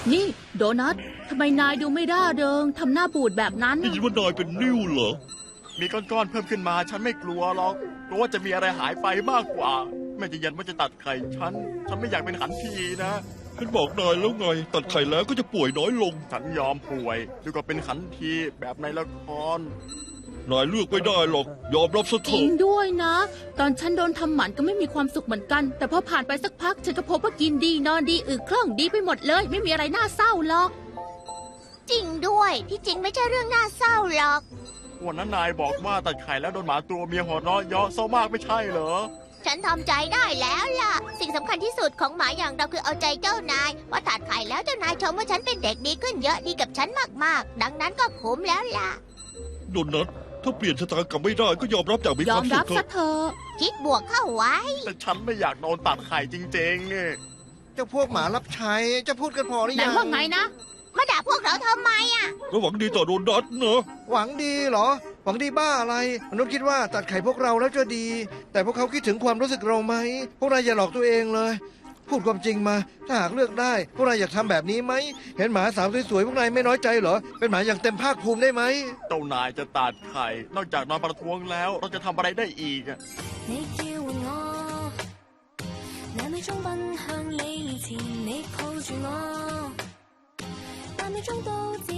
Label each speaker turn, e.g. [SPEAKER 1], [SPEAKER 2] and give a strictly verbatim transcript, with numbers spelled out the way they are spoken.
[SPEAKER 1] นี่โดนัททำไมนายดูไม่ร่าเริงทำหน้าบูดแบบนั้น
[SPEAKER 2] ได้ยินว่านายเป็นนิ่วเหรอ
[SPEAKER 3] มีก้อนๆเพิ่มขึ้นมาฉันไม่กลัวหรอกกลัวว่าจะมีอะไรหายไปมากกว่าแม่จะยันว่าจะตัดไข่ฉันฉันไม่อยากเป็นขันทีนะ
[SPEAKER 2] ฉันบอกนายแล้วไง ตัดไข่แล้วก็จะป่วยน้อยลง
[SPEAKER 3] ฉันยอมป่วยดีกว่าเป็นขันทีแบบในละคร
[SPEAKER 2] นายเลือกไม่ได้หรอก ยอมรับซะเถ
[SPEAKER 1] จริง
[SPEAKER 2] อะ
[SPEAKER 1] ด้วยนะ ตอนฉันโดนทำหมันก็ไม่มีความสุขเหมือนกัน แต่พอผ่านไปสักพัก ฉันก็พบว่ากินดีนอนดีอึคล่องดีไปหมดเลย ไม่มีอะไรน่าเศร้าหรอก
[SPEAKER 4] จริงด้วยที่จริงไม่ใช่เรื่องน่าเศร้าหรอก
[SPEAKER 3] วันนั้นนายบอกว่าตัดไข่แล้วโดนหมาตัวเมียหัวเราะเยาะเศร้ามากไม่ใช่เหรอ
[SPEAKER 4] ฉันทำใจได้แล้วล่ะ สิ่งสำคัญที่สุดของหมาอย่างเราคือเอาใจเจ้านายว่าตัดไข่แล้วเจ้านายชมว่าฉันเป็นเด็กดีขึ้นเยอะดีกับฉันมากๆ ดังนั้นก็คุ้มแล้วล่ะ
[SPEAKER 2] โดนัทถ้าเปลี่ยนชะตากรรมไม่ได้ก็ยอมรับอย่างมี
[SPEAKER 1] ย
[SPEAKER 2] ค
[SPEAKER 1] อ
[SPEAKER 2] วาม มสุ
[SPEAKER 1] รั
[SPEAKER 2] ข
[SPEAKER 1] บ
[SPEAKER 2] เถ
[SPEAKER 1] ซะ
[SPEAKER 2] อะ
[SPEAKER 1] เถอะ
[SPEAKER 4] คิดบวกเข้าไว้
[SPEAKER 3] แต่ฉันไม่อยากโดนตัดไข่จริงๆนี่
[SPEAKER 5] เจ้าพวกหมารับใช้จะพูดกันพอหรือ
[SPEAKER 1] นา
[SPEAKER 5] ยั
[SPEAKER 1] ย
[SPEAKER 5] ง
[SPEAKER 1] ว่าไงนะ
[SPEAKER 4] มาด่าพวกเราทำไมอ่ะ
[SPEAKER 2] ก็หวังดีต่อโดนัทเนอะ
[SPEAKER 5] หวังดีเหรอ หวังดีบ้าอะไรมนุษย์คิดว่าตัดไข่พวกเราแล้วจะดี แต่พวกเขาคิดถึงความรู้สึกเราไหมพวกนายอย่าหลอกตัวเองเลย พูดความจริงมา ถ้าหากเลือกได้ พวกนายอยากทำแบบนี้ไหมเห็นหมาสาวสวยๆพวกนายไม่น้อยใจเหรอเป็นหมาอย่างเต็มภาคภูมิได้ไหม
[SPEAKER 3] เจ้านายจะตัดไข่ นอกจากนอนประท้วงแล้ว เราจะทำอะไรได้อีกอะ
[SPEAKER 6] 你叫喚我，那秒鐘奔向你前，你抱住我，八秒鐘都。